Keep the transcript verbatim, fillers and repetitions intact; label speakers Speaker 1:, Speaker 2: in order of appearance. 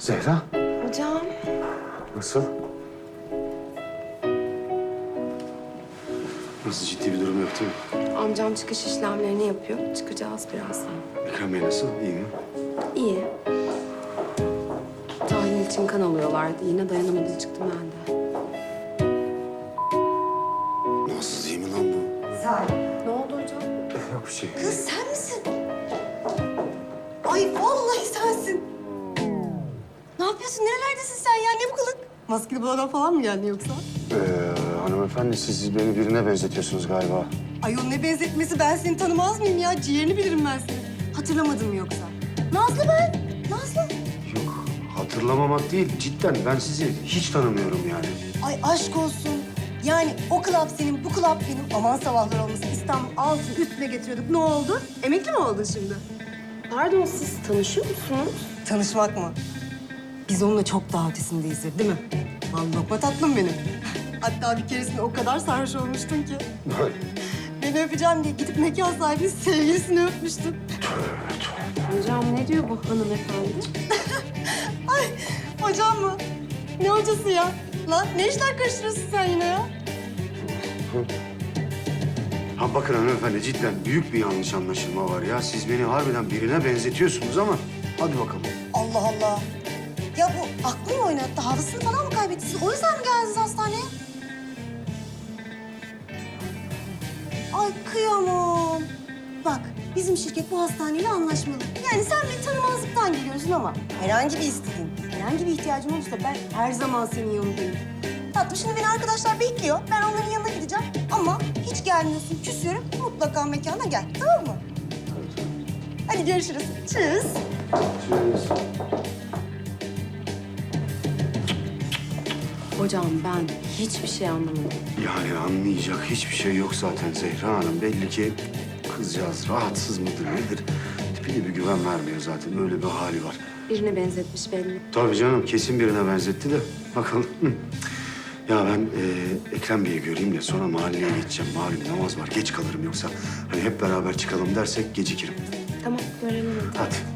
Speaker 1: Zehra.
Speaker 2: Hocam.
Speaker 1: Nasıl? Nasıl, ciddi bir durum yok değil mi?
Speaker 2: Amcam çıkış işlemlerini yapıyor. Çıkacağız birazdan.
Speaker 1: Ekrem Bey nasıl? İyi mi?
Speaker 2: İyi. Tahlil için kan alıyorlardı. Yine dayanamadı, çıktım ben de.
Speaker 1: Nasıl, iyi mi lan bu?
Speaker 2: Ne oldu hocam?
Speaker 1: Yok bir şey.
Speaker 3: Kız sen misin? Ay vallahi sensin. Ne yapıyorsun? Nerelerdesin sen ya? Ne bu kılık? Maskeli buladan falan mı geldin yoksa?
Speaker 1: Ee, hanımefendi, siz beni birine benzetiyorsunuz galiba.
Speaker 3: Ay o ne benzetmesi? Ben seni tanımaz mıyım ya? Ciğerini bilirim ben seni. Hatırlamadın mı yoksa? Nazlı ben. Nazlı.
Speaker 1: Yok, hatırlamamak değil. Cidden ben sizi hiç tanımıyorum yani.
Speaker 3: Ay aşk olsun. Yani o klap senin, bu klap benim. Aman sabahlar olmasın. İstanbul altı üstüne getiriyorduk. Ne oldu? Emekli mi oldun şimdi?
Speaker 2: Pardon, siz tanışıyor musunuz?
Speaker 3: Tanışmak mı? Biz onunla çok daha ötesindeyizdir, değil mi? Vallahi lokma tatlım benim. Hatta bir keresinde o kadar sarhoş olmuştun ki.
Speaker 1: Böyle.
Speaker 3: Beni öpeceğim diye gidip mekan sahibinin sevgilisini öpmüştün.
Speaker 2: Hocam ne diyor bu hanımefendi?
Speaker 3: Ay hocam mı? Ne hocası ya? Lan ne işler karıştırıyorsun sen yine ya?
Speaker 1: Ha bakın hanımefendi, cidden büyük bir yanlış anlaşılma var ya. Siz beni harbiden birine benzetiyorsunuz ama hadi bakalım.
Speaker 3: Allah Allah. Ya bu aklını mı oynattı? Hafızasını falan mı kaybetti? Siz o yüzden mi geldiniz hastaneye? Ay kıyamam. Bak bizim şirket bu hastaneyle anlaşmalı. Yani sen beni tanımazlıktan geliyorsun ama herhangi bir isteğin, herhangi bir ihtiyacın olursa ben her zaman senin yanındayım. Tatlım şimdi beni arkadaşlar bekliyor. Ben onların yanına gideceğim ama hiç gelmiyorsun, küsüyorum. Mutlaka mekana gel, tamam mı? Hadi görüşürüz. Tschüss.
Speaker 2: Hocam ben hiçbir şey anlamadım.
Speaker 1: Yani anlayacak hiçbir şey yok zaten Zehra Hanım. Belli ki kızcağız rahatsız mıdır nedir? Tipine bir güven vermiyor zaten. Öyle bir hali var.
Speaker 2: Birine benzetmiş belli.
Speaker 1: Tabii canım, kesin birine benzetti de. Bakalım. Ya ben e, Ekrem Bey'i göreyim de sonra mahalleye geçeceğim. Malum namaz var, geç kalırım yoksa. Hani hep beraber çıkalım dersek gecikirim.
Speaker 2: Tamam, görelim hadi.
Speaker 1: Hadi.